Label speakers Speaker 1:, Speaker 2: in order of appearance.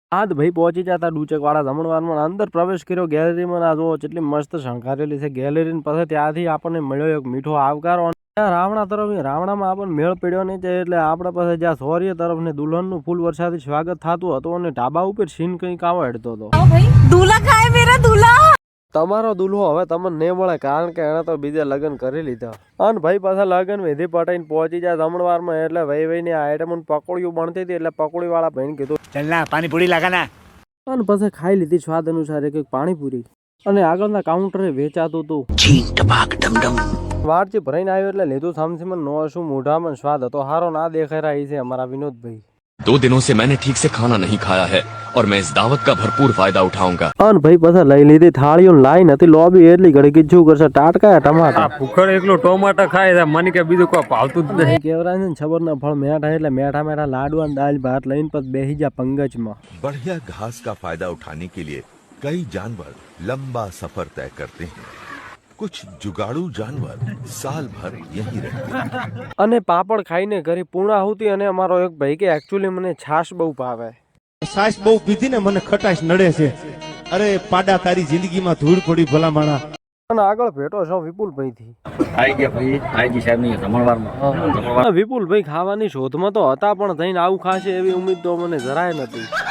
Speaker 1: આજ ભાઈ પહોંચી જતા ડુચકવાળા જમણવારમાં અંદર પ્રવેશ કર્યો ગેલેરીમાં. આ જો કેટલી મસ્ત શણગારેલી છે ગેલેરી. પછી ત્યાંથી આપણને મળ્યો એક મીઠો આવકારો. રાવણા તરફ રાવણામાં આપણને મેળ પડ્યો નહીં છે એટલે આપણે પાસે જ્યાં સોર્ય તરફ ને દુલ્હનનું ફૂલ વરસાદી સ્વાગત થતું હતું અને ઢાબા ઉપર સીન કંઈક આવો હેડતો હતો.
Speaker 2: दूल्हा खाए मेरा दूल्हा.
Speaker 1: તમારો દુલ્હો હવે તમને નહીં મળે કારણ કે એને તો બીજે લગ્ન કરી લીધા. અને ભાઈ પાછા લગ્ન વિધિ પટાઈને પહોંચી જાય જમણવારમાં એટલે ભાઈ આઈટમ પકોડીઓ બનતી હતી એટલે પકોડી વાળા ભાઈને કીધું
Speaker 3: चल ना पानी पूरी लगा ना.
Speaker 1: અને પછી ખાઈ લીધી સ્વાદ અનુસાર એક પાણીપુરી. અને આગળના કાઉન્ટરે વેચાતું હતું. વારચી ભરાઈને આવ્યો એટલે લીધું સામસીમાં નો શું મોઢામાં સ્વાદ હતો હારો ના દેખાઈ રહી છે અમારા વિનોદભાઈ.
Speaker 4: 2 दिनों से मैंने ठीक से खाना नहीं खाया है और मैं इस दावत का भरपूर फायदा उठाऊंगा.
Speaker 1: અને ભાઈ પાછા લઈ લીધી થાળીઓ લાઈન હતી લોબી એટલી ઘડી કીધું કરશે ટાટકા ટમાટા.
Speaker 5: ભૂખડ એકલો ટોમાટા ખાય છે મને કે બીજું કોઈ ભાવતું જ નહીં.
Speaker 1: કેવરાય છે ને છબરના ફળ મેઠા એટલે મેઠા મેઠા લાડવા દાલ ભાત લઈને પછી બેસી જા પંગજમાં.
Speaker 6: बढ़िया घास का फायदा उठाने के लिए कई जानवर लंबा सफर तय करते हैं. कुछ जुगाड़ू जानवर साल भर यहीं रहते हैं.
Speaker 1: અને પાપડ ખાઈને ઘરે પૂર્ણાહુતિ. અને અમારો એક ભાઈ કે એકચ્યુઅલી મને છાશ બહુ ભાવે.
Speaker 7: સાસ બહુ પીધી ને મને ખટાશ નડે છે. અરે પાડા તારી જિંદગીમાં ધૂળ પડી ભલા માણા.
Speaker 1: અને આગળ ભેટો છો વિપુલભાઈ થી.
Speaker 5: આવી ગયા ભાઈ આઈજી સાહેબ ની જમણવારમાં.
Speaker 1: વિપુલભાઈ ખાવાની શોધમાં તો હતા પણ થઈને આવું ખાશે એવી ઉમ્મીદ તો મને જરાય નથી.